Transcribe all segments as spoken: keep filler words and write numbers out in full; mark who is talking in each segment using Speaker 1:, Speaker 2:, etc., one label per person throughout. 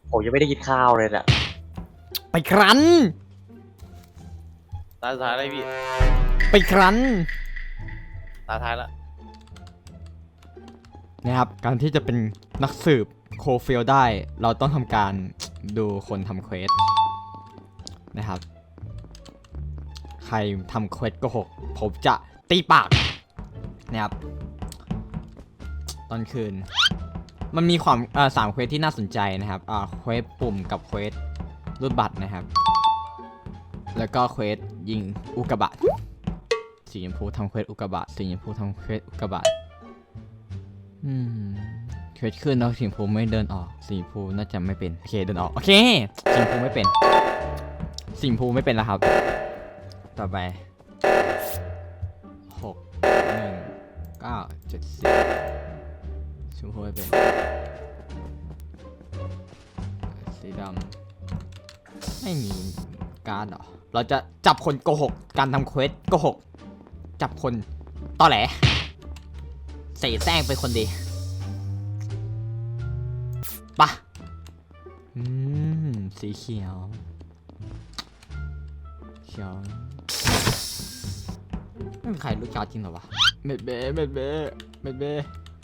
Speaker 1: ผมยังไม่ได้กินข้าวเลยน่ะ
Speaker 2: ไปครั้น
Speaker 3: ตาท้ายอะไรพี่
Speaker 2: ไปครั้น
Speaker 3: ตาท้ายละ
Speaker 2: นะครับการที่จะเป็นนักสืบโคฟิลได้เราต้องทำการดูคนทำเควสนะครับใครทำเควสโกหกผมจะตีปากนะครับตอนคืนมันมีความอ่าสามเควสที่น่าสนใจนะครับอ่าเควสปุ่มกับเควสรูดบัตรนะครับแล้วก็เควสยิงอุกกาบาตสีชมพูทำเควสอุกกาบาตสีชมพูทำเควสอุกกาบาตอืมเควสขึ้นแล้วสีชมพูไม่เดินออกสีชมพูน่าจะไม่เป็นโอเคเดินออกโอเคสีชมพูไม่เป็นสีชมพูไม่เป็นแล้วครับต่อไปหกหนึ่งเก้าเจ็ดสิบชมพูไม่เป็นสีดำไม่มีการ์ดหรอเราจะจับคนโกหกการทำเควสโกหกจับคนตอแหลเสแสร้งเป็นคนดีปะอืมสีเขียวเขียวไม่มีใครรู้การ์ดจริงหรอวะเม็ดเบ้เม็ดเบ้เม็ดเบ้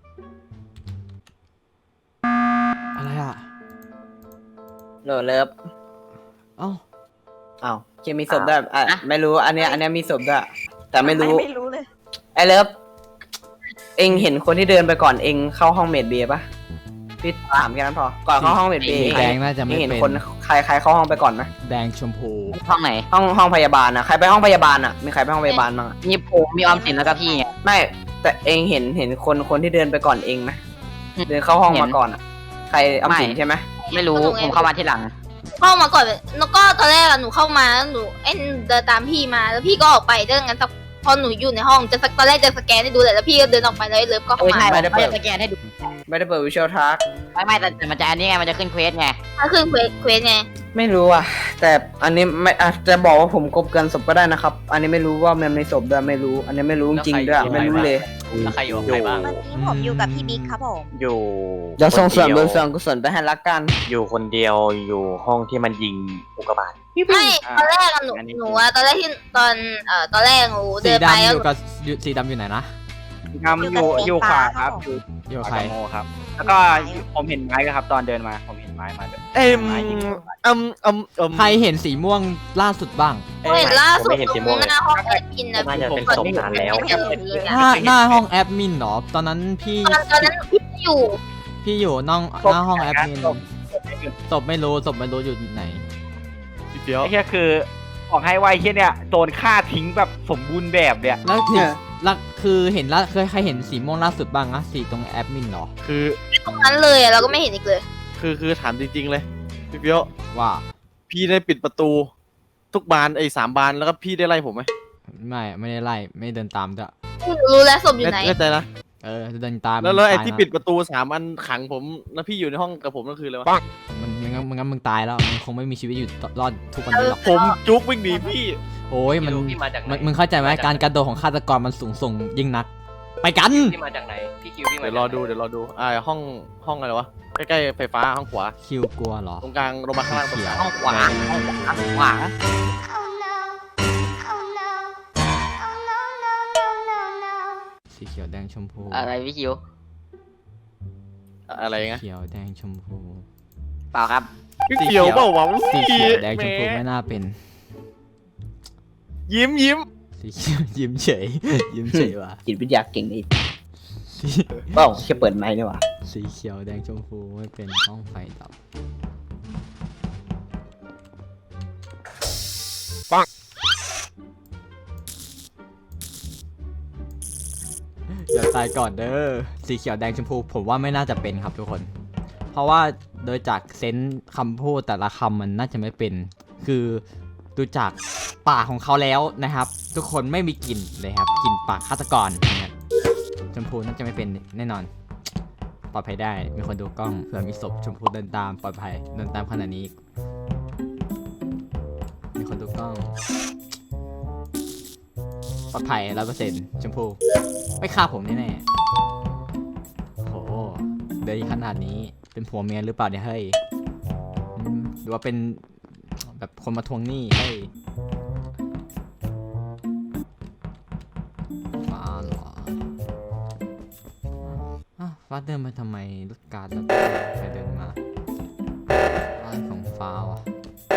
Speaker 2: อะไรอ่ะ
Speaker 4: โหลเลิฟ
Speaker 2: เอ้า
Speaker 4: อ้าวเคมีศพด้วยอ่ะไม่รู้อันเนี้ยอันเนี้ยมีศพด้วยแต่ไม่รู้
Speaker 5: ไม่รู้เลย
Speaker 4: ไอเลิฟเองเห็นคนที่เดินไปก่อนเองเข้าห้องเมดเบย์ปะพี่ถามแค่นั้นพอก่อนเข้าห้องเมดเบย์
Speaker 2: แดงน่าจะไม่
Speaker 4: เห็น
Speaker 2: เป็น
Speaker 4: คนใครใครเข้าห้องไปก่อนไหม
Speaker 2: แดงชมพู
Speaker 5: ห้องไหน
Speaker 4: ห้องห้องพยาบาลนะใครไปห้องพยาบาลอ่ะมีใครไปห้องพยาบาลบ้างอะ
Speaker 5: มีผมมีออมสินแล้วก็พี่ไง
Speaker 4: ไม่แต่เองเห็นเห็นคนคนที่เดินไปก่อนเองไหมเดินเข้าห้องมาก่อนอ่ะใครออมสินใช่ไหม
Speaker 5: ไม่รู้ผมเข้ามาที่หลัง
Speaker 6: เข้ามาก่อนแล้วก็ตอนแรกอะหนูเข้ามาแล้วหนูเอ็นเดินตามพี่มาแล้วพี่ก็ออกไปเรื่องงั้นสักพอหนูอยู่ในห้องจะสักตอนแรกจะสแกนให้ดูแหละแล้วพี่ก็เดินออกไปแล้วเลิฟก็เข้า
Speaker 5: โอ้ย
Speaker 6: มา
Speaker 5: ใช่ไม่ได้เปิดสแกนให้ดู
Speaker 4: ไม่ได้เปิดวิชวลทัก
Speaker 5: ไม่ไม่แต่มันจะอันนี้ไงมันจะขึ้นเควสไง
Speaker 6: ถ้าขึ้นเควสเควสไง
Speaker 4: ไม่รู้อ่ะแต่อันนี้ไม่อาจจะบอกว่าผมกบเกินศพก็ได้นะครับอันนี้ไม่รู้ว่ามันในศพด้วยไม่รู้อันนี้ไม่รู้จริงๆด้วยไม่รู้เลย
Speaker 3: แล้วใครอยู่กับใครบ้าง
Speaker 7: เมื่อกี้ผมอยู่กับพี่บิ๊กครับผม
Speaker 1: อยู่
Speaker 4: เดี๋ยวส่งส่วน
Speaker 1: ค
Speaker 4: บุ
Speaker 1: ดี
Speaker 4: ญ
Speaker 1: ย
Speaker 4: ส่วนกุศลไปให้รักกัน
Speaker 1: อยู่คนเดียวอยู่ห้องที่มันยิงอุกกาบาต
Speaker 6: ไม่ตอนแรกอะหนูหนูอะตอนแรกที่ตอนเอ่อตอนแรกหนู
Speaker 2: สี
Speaker 6: เดินไป
Speaker 2: ดำ
Speaker 6: แล้
Speaker 2: อ
Speaker 6: ว
Speaker 2: ยู่กับอยู่สีดำอยู่ไหนนะ
Speaker 8: ทำอยู่อยู่ขวาครับอยู่
Speaker 2: อยู่
Speaker 8: ข
Speaker 2: ใคร
Speaker 8: วาโมครับ แล้วก็ผมเห็นไม้ครับตอนเดินมาผมเห็นไม้มาด้วย
Speaker 3: เอ็ม
Speaker 8: ไม้ยิง
Speaker 3: อืมอืมอืม
Speaker 2: ใครเห็นสีม่วงล่าสุดบ้าง
Speaker 6: เห็นล่าสุด
Speaker 1: ผมไม่เห็นสีม่วง
Speaker 6: ห
Speaker 1: เลย
Speaker 6: น้าห้องแอดมินนะ
Speaker 1: น่าจะเป็นศพนานแล้ว
Speaker 6: ไม่เห็นเลย
Speaker 2: หน้าหน้าห้องแอดมินเหรอตอนนั้นพี่
Speaker 6: ตอนตอนนั้นพี่อยู่
Speaker 2: พี่อยู่น้องหน้าห้องแอดมินศพไม่รู้ศพไม่รู้อยู่ไหน
Speaker 3: พี่เปียว
Speaker 8: ไอ้เหี้ยคือบอกให้ไวาไอ้เหี้ยเนี่ยโดนฆ่าทิ้งแบบสมบูรณ์แบบเนี่ย
Speaker 2: แล้วคือ
Speaker 4: เนี่ย
Speaker 2: แล้วคือเห็นละเคยใครเห็นสีม่วงล่าสุดบ้างนะสีตรงแอดมินเหรอ
Speaker 3: คือ
Speaker 6: ตรงนั้นเลยอะเราก็ไม่เห็นอีกเลย
Speaker 3: คือคือถามจริงๆเลยพี่เปียว
Speaker 2: ว่า
Speaker 3: พี่ได้ปิดประตู ทุกบานไอ้สามบานแล้วก็พี่ได้ไล่ผมไหม
Speaker 2: ไม่ไม่ได้ไล่ไม่เดินตามด้วย
Speaker 6: รู้แล้วศพอยู่ไหน
Speaker 3: แน่ใจนะ
Speaker 2: เออเดินตาม
Speaker 3: แล้วแล้วไอ้
Speaker 2: ตาย
Speaker 3: ที่
Speaker 2: นะ
Speaker 3: ปิดประตูสามอันขังผมแล้วพี่อยู่ในห้องกับผมนั่นคืออะไรวะ
Speaker 2: มันมันงั้นมันงั้นมึงตายแล้วมันคงไม่มีชีวิตอยู่รอดทุกวันนี้หรอก
Speaker 3: ผมจุกวิ่งหนีพี่
Speaker 2: โอ้ยมัน
Speaker 1: พี่มาจากไหน
Speaker 2: มันมึงเข้าใจไหมการกระโดดของฆาตกรมันสูงส่งยิ่งนัก ไปกัน
Speaker 1: พี่มาจากไหนพี่คิวพี่มา
Speaker 3: เดี๋ยวรอดูเดี๋ยวรอดูอ่าห้องห้องอะไรวะใกล้ๆไฟฟ้าห้องขวา
Speaker 2: คิวกลัวเหรอ
Speaker 3: ตรงกลางลงมาข้างล่างตรงกลาง
Speaker 5: ห้องขวาห้องขวาขวา
Speaker 2: สีเขียวแดงชมพู
Speaker 5: อะไรพี่คิว
Speaker 3: อะไรเงี้ย
Speaker 2: เขียวแดงชมพู
Speaker 5: เปล่าครับ
Speaker 3: พี่เขียวเปล่าวะ
Speaker 2: สีเขียวแดงชมพูไม่น่าเป็น
Speaker 3: ยิ้มยิ้ม
Speaker 2: สีเขียวยิ้มเฉย ยิ้มเฉยว่ะ
Speaker 4: จิตวิทยาเก่งอีก
Speaker 2: สี
Speaker 4: เปล่าแค่เปิดไมค์นี่หว่า
Speaker 2: สีเขียวแดงชมพูไม่เป็นห้องไฟดับอย่าตายก่อนเด้อสีเขียวแดงชมพูผมว่าไม่น่าจะเป็นครับทุกคน เพราะว่าโดยจากเซนส์คำพูดแต่ละคำมันน่าจะไม่เป็น คือดูจากปากของเขาแล้วนะครับ ทุกคนไม่มีกลิ่นเลยครับกลิ่นปากฆาตกรนะครับชมพูน่าจะไม่เป็นแน่นอนปลอดภัยได้มีคนดูกล้องเผื่อมีศพชมพูเดินตามปลอดภัยเดินตามขนาดนี้มีคนดูกล้องปลอดภัยร้อยเปอร์เซ็นต์ชมพูไม่ฆ่าผมแน่ๆโหเดินขนาดนี้เป็นผัวเมียหรือเปล่าเนี่ยเฮ้ยรือว่าเป็นแบบคนมาทวงหนี้ให้ฟ้าเหรออ้าวฟ้าเดินมาทำไมรถการ์ดแล้วใครเดินมาอะไรของฟ้าวะ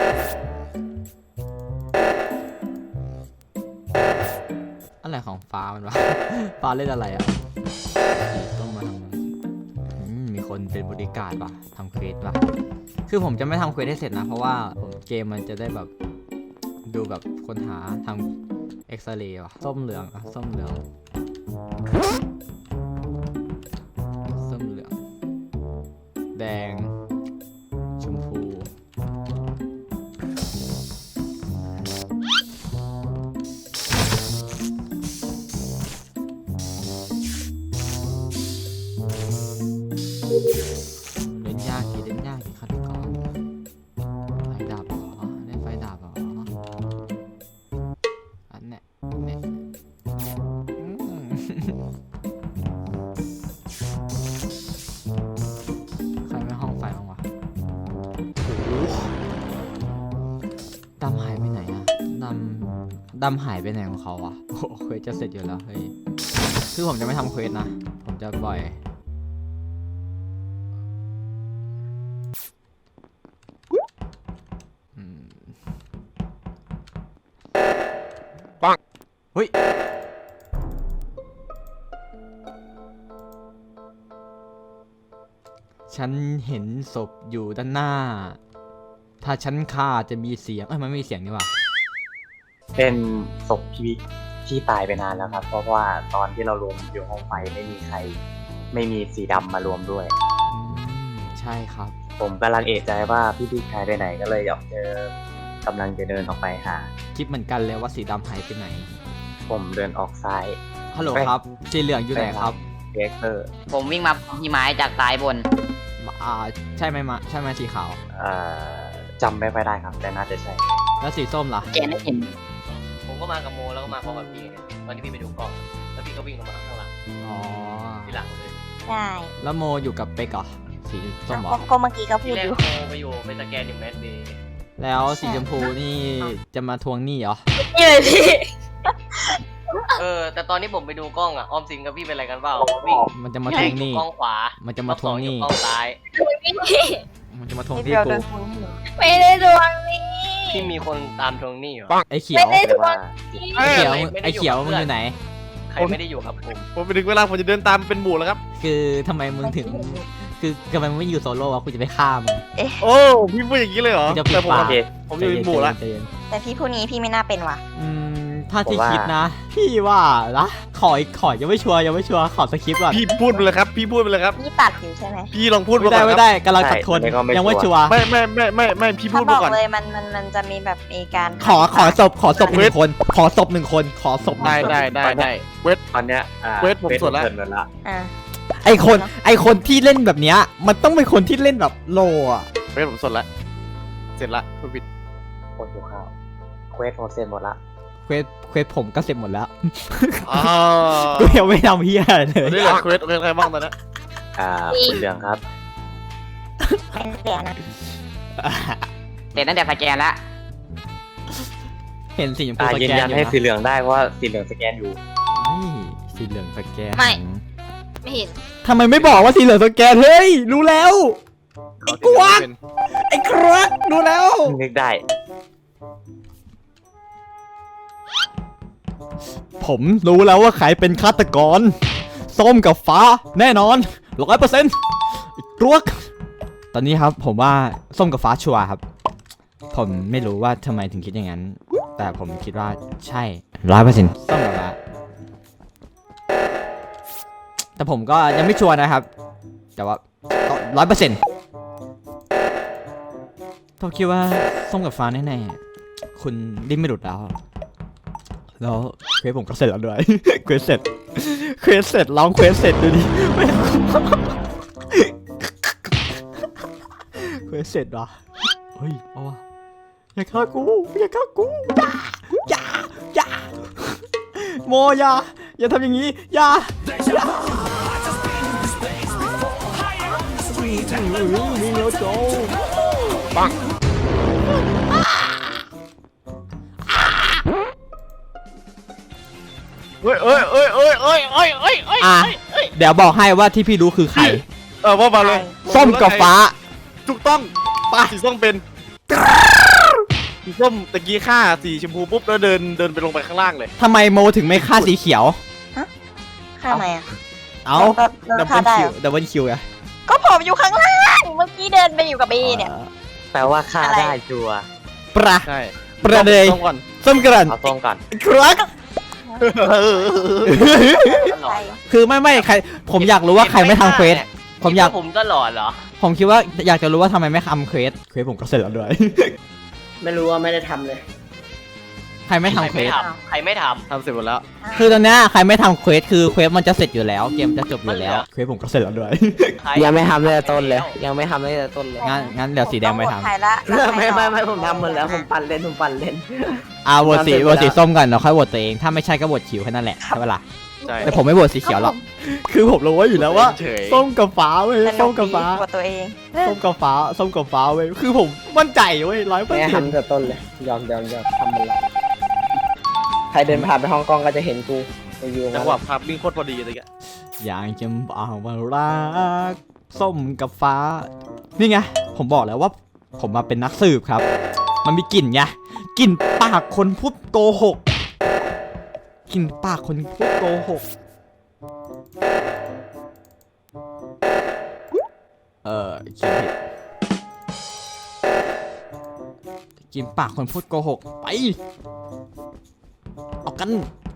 Speaker 2: อะไรของฟ้ามันวะ ฟ้าเล่นอะไรอ่ะต้องมาทำอืมมีคนเป็นบริการป่ะทำเควสป่ะคือผมจะไม่ทำเควสให้เสร็จนะเพราะว่าผมเกมมันจะได้แบบดูแบบค้นหาทำเอ็กซเรย์ว่ะส้มเหลืองอ่ะส้มเหลืองส้มเหลืองแดงชมพูเล่นยากดีเล่นยากดีฆาตกรไฟดับเหรอเล่นไฟดับเหรออันเนี้ยเนี่ยอืมใครไม่ห้องไฟบ้างวะโอ้โหดำหายไปไหนอะดำดำหายไปไหนของเขาอะโอ้โหเควสจะเสร็จอยู่แล้วเฮ้ยคือผมจะไม่ทำเควสนะผมจะปล่อยอืมปังเฮ้ยฉันเห็นศพอยู่ด้านหน้า ถ้าฉันฆ่าจะมีเสียงเอ้ยมันไม่มีเสียงนี่หว่า
Speaker 1: เป็นศพพี่ที่ตายไปนานแล้วครับ เพราะว่าตอนที่เรารวมอยู่ห้องไฟไม่มีใคร ไม่มีสีดำมารวมด้วย
Speaker 2: อืมใช่ครับ
Speaker 1: ผมกำลังเอะใจว่าพี่พี่ชายไปไหนก็เลยออกเจอกำลังจะเดินออกไปหา
Speaker 2: คิดเหมือนกันเลยว่าสีดำหายไปไหน
Speaker 1: ผมเดินออกซ้าย
Speaker 2: ฮัลโหล
Speaker 1: ไป
Speaker 2: ครับ สีเหลืองอยู่ไหนครับ
Speaker 1: เด็กเตอร์
Speaker 5: ผมวิ่งมาที่ไม้จากซ้ายบน
Speaker 2: มาอ่าใช่ไหมมะใช่ไหมสีขาว
Speaker 1: เอ่อจำไม่ค่อยได้ครับ แต่น่าจะใช่
Speaker 2: แล้วสีส้มล่ะ
Speaker 5: แกนได้เห็น
Speaker 9: ผมก็มากับโมแล้วก็มาพร้อมกับพี่ไงตอนที่พี่ไปดูกล้องแล้วพี่ก็วิ่งลงมาข้างหลัง
Speaker 2: อ๋อ
Speaker 9: ทีหลังเลย
Speaker 7: ใช่
Speaker 2: แล้วโมอยู่กับเป๊กเหรอ สีส้มเหร
Speaker 7: ก็
Speaker 2: อ
Speaker 7: ก็เมื่อกี้ก็พู
Speaker 9: ที
Speaker 7: ด
Speaker 9: แร
Speaker 7: อก ยู่
Speaker 9: โมไปอยู่ไปสแกนอยู่แมสเบย์
Speaker 2: แล้วสีชมพูนี่จะมาทวงหนี้เหรอ
Speaker 6: นี่เลยพี่
Speaker 9: เออแต่ตอนนี้ผมไปดูกล้องอ่ะออมสินกับพี่เป็นอะไรกันเปล่าวิ่ง
Speaker 2: มันจะมาทวงหนี้
Speaker 9: กล้องขวา
Speaker 2: มันจะมาทวงหนี้
Speaker 9: กล้องซ้าย
Speaker 6: พี่
Speaker 2: มันจะมาทวง
Speaker 7: นิด
Speaker 2: ที่
Speaker 7: เดียว
Speaker 2: กู
Speaker 7: โดนทวงหนี้
Speaker 6: ไม่ได้ดวงนี้
Speaker 9: ที่มีคนตามทวงหนี้เหรอ
Speaker 2: ไอ้เขียว
Speaker 6: ไม่ได้
Speaker 1: เรียกว่า
Speaker 2: ไอ้เขียว
Speaker 9: ไม่ได้
Speaker 2: ไอ้เขียว
Speaker 9: อยู่กับ
Speaker 2: มึงอยู่ไหน
Speaker 9: ใครไม่ได้อยู่กับผม
Speaker 3: ผมไปถึงเวลาผมจะเดินตามเป็นหมู่แล้วครับ
Speaker 2: คือทำไมมึงถึง คือทำไมมึงไม่อยู่โซโล่วะกูจะไปฆ่ามึง
Speaker 3: โอ้พี่พูดอย่างนี้เลยเหรอ
Speaker 2: จะปิด
Speaker 3: แต่ผม
Speaker 2: ปาก
Speaker 1: โอเค
Speaker 3: ผมอยู่เป็นหมู่แล้ว
Speaker 2: ใจเย็น
Speaker 7: แต่พี่พูดงี้พี่ไม่น่าเป็นว่ะ
Speaker 2: อืมถ้าที่
Speaker 1: ผมว่า
Speaker 2: คิดนะ พี่ว่านะขออีกขอยังไม่ชัวร์ยังไม่ชัวร์ขอสคริปต์ก่อน
Speaker 3: พี่พูดไปเลยครับ พี่พูดไปเลยครับ
Speaker 7: พี่ตัดอยู่ใช่ไหม
Speaker 3: พี่ลองพูด
Speaker 2: ไม่
Speaker 3: มา
Speaker 2: ได้
Speaker 3: ก่อน
Speaker 2: ไม่
Speaker 3: ครับ
Speaker 2: ได้กำลังตัดคน
Speaker 1: ใช่อันนี้ก็ไม่
Speaker 2: ยังไม่
Speaker 1: ชั
Speaker 2: ชั
Speaker 1: ว
Speaker 2: ว
Speaker 1: ร์
Speaker 2: ร์
Speaker 3: ไม่ไม่ไม่ไม่ไม่พี่พู
Speaker 7: เขา
Speaker 3: ด
Speaker 7: บ
Speaker 3: มา
Speaker 7: อก
Speaker 3: ก่อน
Speaker 7: เลยมันมันมันจะมีแบบมีการ
Speaker 2: ขอขอศพขอศพหนึ่งคน ขอศพหนึ่งคน ขอศพหนึ่
Speaker 3: ได้
Speaker 2: งคน
Speaker 3: ได้ได้ได้เวท
Speaker 1: ตอนเนี้ยอ่า
Speaker 3: เวทผมสวดละ
Speaker 1: เวทผมเสร็จหมดละ
Speaker 7: อ่า
Speaker 2: ไอคนไอคนที่เล่นแบบเนี้ยมันต้องเป็นคนที่เล่นแบบโลอะ
Speaker 3: เวทผมสดละเสร็จละพูดผิด
Speaker 1: คนหิวข้าวเควสผมเสร็จหมดละ
Speaker 2: เควสเควสผมก็เสร็จหมดแล้ว
Speaker 3: อ๋อ
Speaker 2: กูยังไม่ทำเฮียอะไรเล
Speaker 3: นี่
Speaker 2: ย
Speaker 3: เหลือเควสเควสใครบ้างตอนนี้
Speaker 1: อ่าสีเหลืองครับ
Speaker 7: เป็นเสียนะ
Speaker 5: เสร็จตั้งแต่สแกนแล้ว
Speaker 2: เห็นสีชมพู
Speaker 1: อ่า
Speaker 2: ส
Speaker 1: ยืน
Speaker 2: แกน
Speaker 1: ยัน
Speaker 2: อยู่
Speaker 1: ให้
Speaker 2: นะ
Speaker 1: สีเหลืองได้เพราะว่าสีเหลืองสแกนอยู่
Speaker 2: เฮ้ยสีเหลืองสแกน
Speaker 6: ไม่ ไม่เห็น
Speaker 2: ทำไมไม่บอกว่าสีเหลืองสแกนเฮ้ยรู้แล้ว
Speaker 3: เขา
Speaker 2: กวาด ไอ้ครักรู้แล้ว
Speaker 1: นึกได้
Speaker 2: ผมรู้แล้วว่าใครเป็นฆาตกร ส้มกับฟ้าแน่นอนร้อยเปอร์เซ็นต์รวกตอนนี้ครับผมว่าส้มกับฟ้าชัวร์ครับ ผมไม่รู้ว่าทำไมถึงคิดอย่างนั้น แต่ผมคิดว่าใช่ร้อยเปอร์เซ็นต์ส้มกับฟ้าแต่ผมก็ยังไม่ชัวร์นะครับ แต่ว่าร้อยเปอร์เซ็นต์ผมคิดว่าส้มกับฟ้าแน่ๆคุณดิ้นไม่หลุดแล้ว แล้วเควสผมก็เสร็จแล้วด้วย เควสเสร็จ เควสเสร็จลองเควสเสร็จดูดิ เควสเสร็จว่ะเฮ้ยเอาวะอย่าฆ่ากูอย่าฆ่ากูอย่าอย่าอย่าโมอย่าอย่าทำอย่างนี้อย่าอย่าวิ่งแล้วโจปัง
Speaker 3: อ้ยเอ้ยเอ้ยเอ้ยเอ้ยเอ้ยเอ้ยเอ้ย
Speaker 2: อ่ะเดี๋ยวบอกให้ว่าที่พี่รู้คือใคร
Speaker 3: เออว่ามาเลย
Speaker 2: ส้มกับฟ้า
Speaker 3: ถูกต้องป้าสีส้มเป็นสีส้มตะกี้ฆ่าสีชมพูปุ๊บแล้วเดินเดินไปลงไปข้างล่างเลย
Speaker 2: ทำไมโมถึงไม่ฆ่าสีเขียว
Speaker 7: ข้าไหมอ่ะ
Speaker 2: เอ้า
Speaker 7: ก็ก็
Speaker 2: ดับ
Speaker 7: ฆ่า
Speaker 2: เบิล
Speaker 7: ได้
Speaker 2: คิ
Speaker 7: เห
Speaker 2: ว
Speaker 7: รอ
Speaker 2: ดับเบิลคิวไง
Speaker 7: ก็ผมอยู่ข้างล่างเมื่อกี้เดินไปอยู่กับบีเนี่ย
Speaker 1: แปลว่าฆ่า
Speaker 7: อะไร
Speaker 1: ได้ชัวร์
Speaker 2: ประ
Speaker 3: ใช่
Speaker 2: ประเดย
Speaker 3: ส้มก่อน
Speaker 2: ส้มกรัน
Speaker 1: เอาส้มก่อน
Speaker 2: ครับ
Speaker 9: หลอน
Speaker 2: คือไม่ไม่ใคร ผมอยากรู้ว่าใครไม่ทำเควส ผมอยาก
Speaker 9: ผมก็หลอนเหรอ
Speaker 2: ผมคิดว่าอยากจะรู้ว่าทำไมไม่ทำเควส เควสผมก็เสร็จแล้วด้วย
Speaker 4: ไม่รู้ว่าไม่ได้ทำเลย
Speaker 2: ใครไม่ทำเควส
Speaker 9: ใครไม่ท
Speaker 3: ทำเสร็จหมดแล้ว
Speaker 2: คือตอนเนี้ยใครไม่ทำเควสคือเควสมันจะเสร็จอยู่แล้ว เกมจะจบอยู่แล้ว เควสผมก็เสร็จแล้วด้วย
Speaker 9: ำใคร
Speaker 4: ยังไม่ทำเลยต้นเลย ยังไม่ทำเลยต้นเลย
Speaker 2: งั้นงั้นเดี๋ยวสีแดงไปท
Speaker 7: ใครละแล้วใคร
Speaker 4: ไม่
Speaker 7: ต่อ
Speaker 4: ไม่ไม่ผมทำหมดแล้วผมปั่นเล่นผมปั่นเล่น
Speaker 2: ำอ่าโหวตสีโหวตสีส้มกันเราค่อยโหวตตัวเอง ถ้าไม่ใช่ก็โหวตเขียวแค่นั้นแหละใช่ปะล่ะ
Speaker 3: ใช่
Speaker 2: แต่ผมไม่โหวตสีเขียวหรอก คือผมรู้ว่าอยู่แล้วว่า
Speaker 3: เฉย
Speaker 2: ส้มกับฟ้าเว้ย
Speaker 7: สนุ
Speaker 2: ส้ม
Speaker 7: ก
Speaker 2: กับ
Speaker 7: ดี
Speaker 2: ฟ้า
Speaker 7: กว่าตัวเอง
Speaker 2: ส้มกับฟ้าส้มกับฟ้าเว้ย คือผมมั่นใจเว้ยร้อยเปอร์
Speaker 4: แม่
Speaker 2: เซ็นต์
Speaker 4: ทำแต่ต้นเลย ยอมยอมยอมทำหมดแล้วใครเดินผ่านไปห้องกล้องก็จะเห็นกูกูอยู่
Speaker 3: จังหวะภาพวิ่งโคตรพอดีเลยแก
Speaker 2: อยากจะบอกว่ารักส้มกับฟ้า นี่ไง ผมบอกแล้วว่า ผมมาเป็นนักสืบครับ มันมีกลิ่นไงกลิ่นปากคนพูดโกหกกลิ่นปากคนพูดโกหก เออคิดผิดกินปากคนพูดโกหก ไป เอากัน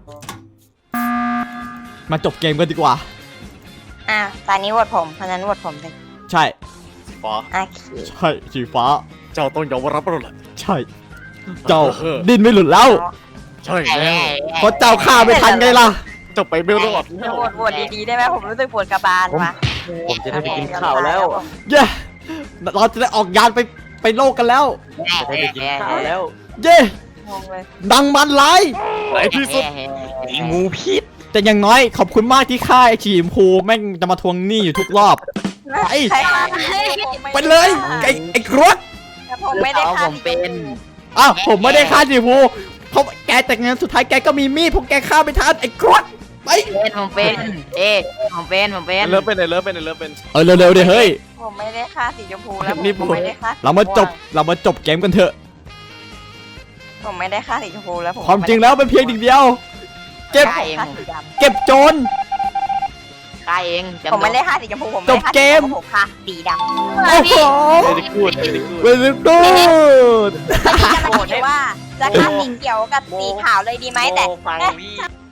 Speaker 2: มาจบเกมกันดีกว่า
Speaker 7: อ่ะตอนนี้โหวตผมเพราะฉะนั้นโหวตผมเลย
Speaker 2: ใช่
Speaker 3: สีฟ้า
Speaker 7: โอเค
Speaker 2: ใช่สีฟ้า
Speaker 3: เจ้าต้องยอมรับเราแหละ
Speaker 2: ใช่ เจ้าดินไม่หลุดแล้ว
Speaker 3: ใช่แล้ว
Speaker 2: เพราะเจ้าฆ่าไม่ทันไงล่ะ
Speaker 3: เจ้าไปไม่รอด
Speaker 7: จะโหวตโหวตดีๆได้ไหมผมรู้สึกปวดกระบาลว่ะ
Speaker 1: ผมจะได้ไปกินข้าวแล้ว
Speaker 2: เย้ เราจะได้ออกยานไปไปโลกกันแล้ว
Speaker 1: จะได้ไปกินข้าวแล้ว
Speaker 2: เย้
Speaker 7: งงเลย
Speaker 2: ดังมันไลาย
Speaker 3: ไหนที่สุด
Speaker 1: งูพิษ
Speaker 2: แต่อย่างน้อยขอบคุณมากที่ฆ่าไอ้ชีมพูแม่งจะมาทวงหนี้อยู่ทุกรอบ ไป
Speaker 7: ใครฆ่า
Speaker 2: ไปเลย ไอ้ไอ้ครวด
Speaker 7: แต่ผมไม่ได้ฆ่า
Speaker 5: ผมเป็น
Speaker 2: อ้าวผมไม่ได้ฆ่าชีมพูเพราะแกแต่งานสุดท้ายแกก็มีมีดพวกแกฆ่าไม่ทันไอ้ครวดไป
Speaker 5: เป็นผมเป็น เอ๊ะผมเป็นผมเป็น
Speaker 3: เลิฟเป็นไหนเลิฟเป็นไหนเลิฟเป็น
Speaker 2: เออเร็วๆดิเฮ้ย
Speaker 7: ผมไม่ได้ฆ่าสีชมพูแล้วผม
Speaker 3: นี่ผม
Speaker 7: ไม่ได้ฆ่าสี
Speaker 2: เรามาจบเรามาจบเกมกันเถอะ
Speaker 7: ผมไม่ได้ฆ่าสีชมพูแล้วผม
Speaker 2: ความจริงแล้วเป็นเพียงหนึ่งเดียว เก็บ
Speaker 5: ฆ่าเอง
Speaker 7: ฆ่าสีด
Speaker 2: เก็บโจร
Speaker 5: ฆ่าเอง
Speaker 7: ำผมไม่ได้ฆ่าสีชมพูผมไม่ได้ฆ่า
Speaker 2: จบเกม
Speaker 7: สีชพูผมฆ่าสีดำ
Speaker 2: โอ้โห
Speaker 3: ไม่ได้พูดไม่ได้พูด
Speaker 2: เวลิกูด
Speaker 7: จะมาคิดว่าจะฆ่าสีเขียวกับสีขาวเลยดีไหมแต่
Speaker 9: โมฟังพี่